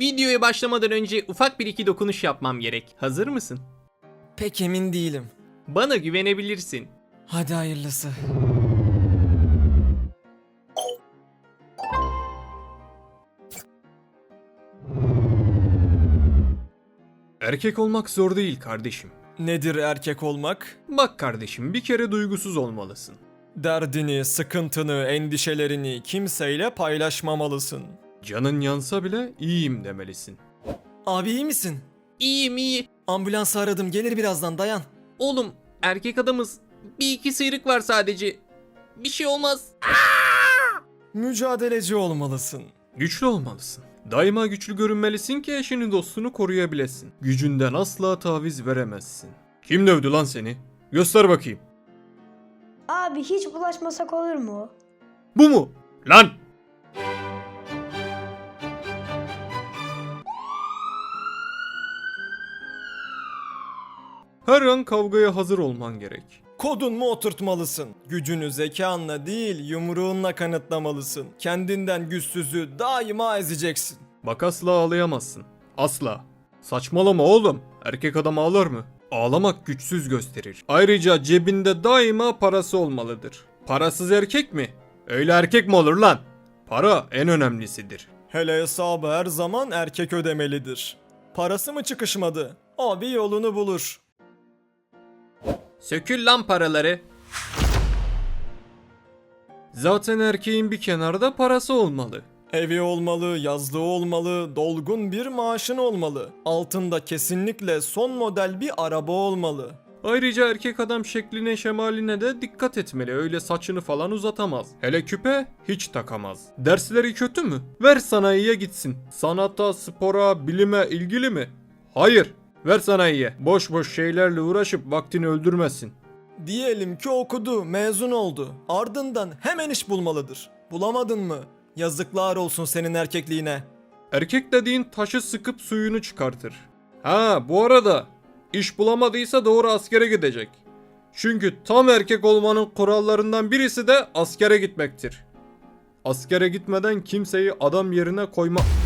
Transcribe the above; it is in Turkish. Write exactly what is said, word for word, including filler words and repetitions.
Videoya başlamadan önce ufak bir iki dokunuş yapmam gerek. Hazır mısın? Pek emin değilim. Bana güvenebilirsin. Hadi hayırlısı. Erkek olmak zor değil kardeşim. Nedir erkek olmak? Bak kardeşim, bir kere duygusuz olmalısın. Derdini, sıkıntını, endişelerini kimseyle paylaşmamalısın. Canın yansa bile iyiyim demelisin. Abi iyi misin? İyiyim iyi. Ambulansı aradım, gelir birazdan, dayan. Oğlum erkek adamız. Bir iki sıyrık var sadece. Bir şey olmaz. Mücadeleci olmalısın. Güçlü olmalısın. Daima güçlü görünmelisin ki eşini dostunu koruyabilesin. Gücünden asla taviz veremezsin. Kim dövdü lan seni? Göster bakayım. Abi hiç bulaşmasak olur mu? Bu mu? Lan! Her an kavgaya hazır olman gerek. Kodun mu oturtmalısın? Gücünü zekanla değil, yumruğunla kanıtlamalısın. Kendinden güçsüzü daima ezeceksin. Bak asla ağlayamazsın. Asla. Saçmalama oğlum. Erkek adam ağlar mı? Ağlamak güçsüz gösterir. Ayrıca cebinde daima parası olmalıdır. Parasız erkek mi? Öyle erkek mi olur lan? Para en önemlisidir. Hele hesabı her zaman erkek ödemelidir. Parası mı çıkışmadı? Abi yolunu bulur. Sökül lan paraları. Zaten erkeğin bir kenarda parası olmalı. Evi olmalı, yazlığı olmalı, dolgun bir maaşın olmalı. Altında kesinlikle son model bir araba olmalı. Ayrıca erkek adam şekline şemaline de dikkat etmeli. Öyle saçını falan uzatamaz. Hele küpe hiç takamaz. Dersleri kötü mü? Ver sanayiye gitsin. Sanata, spora, bilime ilgili mi? Hayır. Ver sanayiye. Boş boş şeylerle uğraşıp vaktini öldürmesin. Diyelim ki okudu, mezun oldu. Ardından hemen iş bulmalıdır. Bulamadın mı? Yazıklar olsun senin erkekliğine. Erkek dediğin taşı sıkıp suyunu çıkartır. Ha bu arada iş bulamadıysa doğru askere gidecek. Çünkü tam erkek olmanın kurallarından birisi de askere gitmektir. Askere gitmeden kimseyi adam yerine koyma...